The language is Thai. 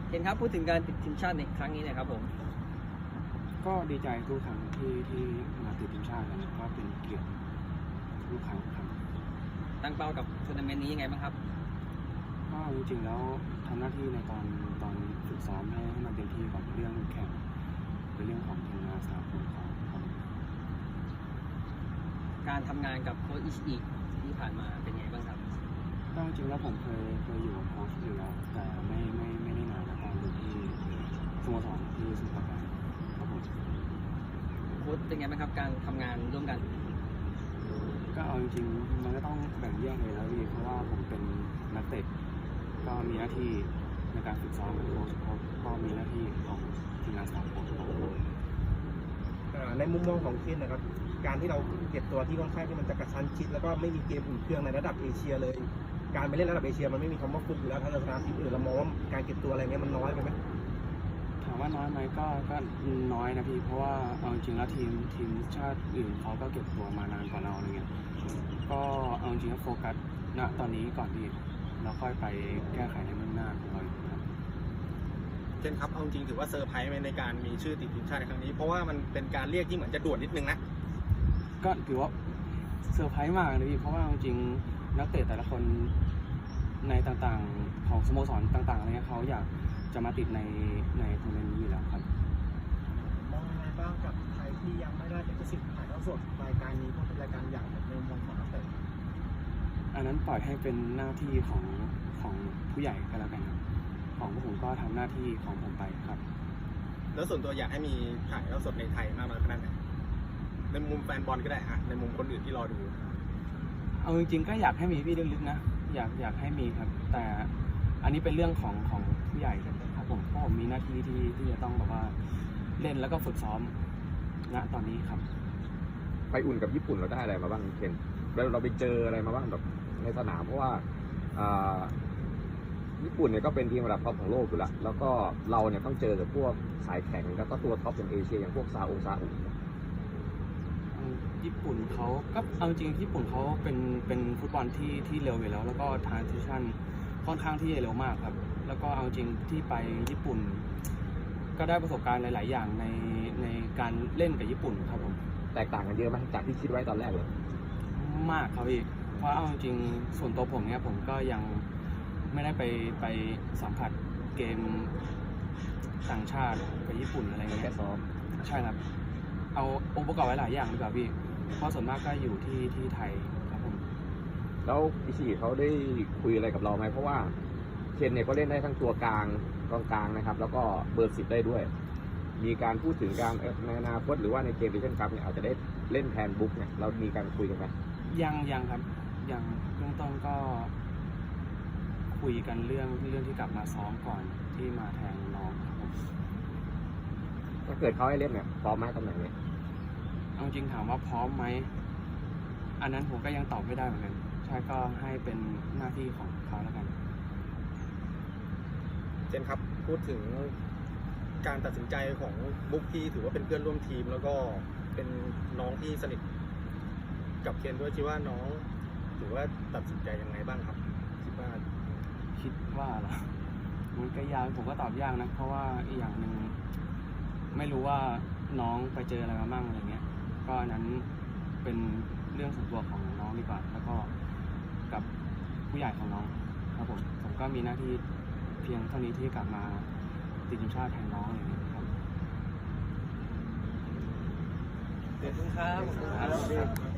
เห็นครับพูดถึงการติดทีมชาติในครั้งนี้นะครับผมก็ดีใจทุกครั้งที่มาติดทีมชาติครับก็เป็นเกียรติทุกครั้งครับตั้งเป้ากับทัวร์นาเมนต์นี้ยังไงบ้างครับก็จริงๆแล้วทำหน้าที่ในตอนฝึกซ้อมให้มันเต็มที่ก่อนเรื่องแข่งเป็นเรื่องของทีมงานสาคนของการทำงานกับโค้ชอิชิอิที่ผ่านมาเป็นไงบ้างครับก็จริงๆแล้วผมเคยอยู่กับโค้ชอยู่แล้วแต่ไม่ได้นานนะตอนอยู่ที่สโมสรที่สุพรรณครับผมโค้ชเป็นไงบ้างครับการทำงานร่วมกันก็เอาจริงๆมันก็ต้องแบ่งแยกเลยแล้วพี่เพราะว่าผมเป็นนักเตะก็มีหน้าที่ในการฝึกซ้อมโค้ชก็มีหน้าที่ของทีมงานสตาฟโค้ชในมุมมองของเคนนะครับการที่เราเก็บตัวที่ค่อนข้างที่มันจะกระชั้นชิดแล้วก็ไม่มีเกมอุ่นเครื่องในระดับเอเชียเลยการไปเล่นระดับเอเชียมันไม่มีคำว่าฟุกอยู่แล้วถ้าเราชนะทีมอื่นเรามองว่าการเก็บตัวอะไรเงี้ยมันน้อยไปไหมถามว่าน้อยไหมก็น้อยนะพี่เพราะว่าเอาจริงแล้วทีมชาติอื่นเขาก็เก็บตัวมานานกว่าเราอะไรเงี้ยก็เอาจริงแล้วโฟกัสณตอนนี้ก่อนดีแล้วค่อยไปแก้ไขในเบื้องหน้าของเราครับเคนครับเอาจริงถือว่าเซอร์ไพรส์ไหมในการมีชื่อติดทีมชาติในครั้งนี้เพราะว่ามันเป็นการเรียกที่เหมือนจะด่วนนิดนึงนะก็ถือว่าเซอร์ไพรส์มากเลยพี่เพราะว่าจริงนักเตะแต่ละคนในต่างๆของสโมสรต่างๆอะไรเงี้ยเขาอยากจะมาติดในทัวร์นาเมนต์นี้อยู่แล้วครับมองยังไงบ้างกับไทยที่ยังไม่ได้เป็นสิทธิ์ถ่ายทอดสดรายการนี้เพราะเป็นรายการใหญ่ในมุมมองของนักเตะอันนั้นปล่อยให้เป็นหน้าที่ของผู้ใหญ่ก็แล้วกันครับของพวกผมก็ทำหน้าที่ของผมไปครับแล้วส่วนตัวอยากให้มีถ่ายทอดสดในไทยมากน้อยขนาดไหนในมุมแฟนบอลก็ได้อะในมุมคนอื่นที่รอดูเอาจริงๆก็อยากให้มีพี่ลึกๆนะอยากให้มีครับแต่อันนี้เป็นเรื่องของผู้ใหญ่ครับผมเพราะผมมีหน้าที่ที่จะต้องแบบว่าเล่นแล้วก็ฝึกซ้อมณตอนนี้ครับไปอุ่นกับญี่ปุ่นเราได้อะไรมาบ้างเคนเราไปเจออะไรมาบ้างแบบในสนามเพราะว่าญี่ปุ่นเนี่ยก็เป็นทีมระดับท็อปของโลกอยู่แล้วก็เราเนี่ยต้องเจอกับพวกสายแข่งแล้วก็ตัวท็อปอย่างเอเชียอย่างพวกซาอุญี่ปุ่นเขาก็เอาจริงญี่ปุ่นเขาเป็นฟุตบอลที่เร็วอยู่แล้วแล้วก็ทรานซิชั่นค่อนข้างที่จะเร็วมากครับแล้วก็เอาจริงที่ไปญี่ปุ่นก็ได้ประสบการณ์หลายๆอย่างในการเล่นกับญี่ปุ่นครับผมแตกต่างกันเยอะไหมจากที่คิดไว้ตอนแรกเลยมากครับพี่เพราะเอาจริงส่วนตัวผมเนี่ยผมก็ยังไม่ได้ไปสัมผัสเกมต่างชาติกับญี่ปุ่นอะไรเงี้ยแค่ซ้อมใช่ครับเอาองค์ประกอบไว้หลายอย่างดีกว่าพี่เพราะส่วนมากก็อยู่ที่ไทยครับผมแล้วอิชิเขาได้คุยอะไรกับเราไหมเพราะว่าเคนเนี่ยก็เล่นได้ทั้งตัวกลางนะครับแล้วก็เบอร์10ได้ด้วยมีการพูดถึงการในอนาคตหรือว่าในเกมดิชั่นคัพเนี่ยอาจจะได้เล่นแทนบุ๊กเนี่ยเรามีการคุยกันไหมยังครับยังเบื้องต้นก็คุยกันเรื่องที่กลับมาซ้อมก่อนที่มาแทนน้องครับผมถ้าเกิดเขาให้เล่นเนี่ยพร้อมไหมตำแหน่งนี้เอาจริงถามว่าพร้อมไหมอันนั้นผมก็ยังตอบไม่ได้เหมือนกันใช่ก็ให้เป็นหน้าที่ของเขาแล้วกันเจนครับพูดถึงการตัดสินใจของบุ๊กที่ถือว่าเป็นเพื่อนร่วมทีมแล้วก็เป็นน้องที่สนิทกับเคนด้วยคิดว่าน้องถือว่าตัดสินใจยังไงบ้างครับคิดว่าเหรอมันก็ยากผมก็ตอบยากนะเพราะว่าอีกอย่างหนึ่งไม่รู้ว่าน้องไปเจออะไรมาบ้างอะไรเงี้ยก็อันนั้นเป็นเรื่องส่วนตัวของน้องดีกว่าแล้วก็กับผู้ใหญ่ของน้องครับผมก็มีหน้าที่เพียงเท่านี้ที่กลับมาติดทีมชาติแทนน้องอะไรเงี้ยครับขอบคุณครับ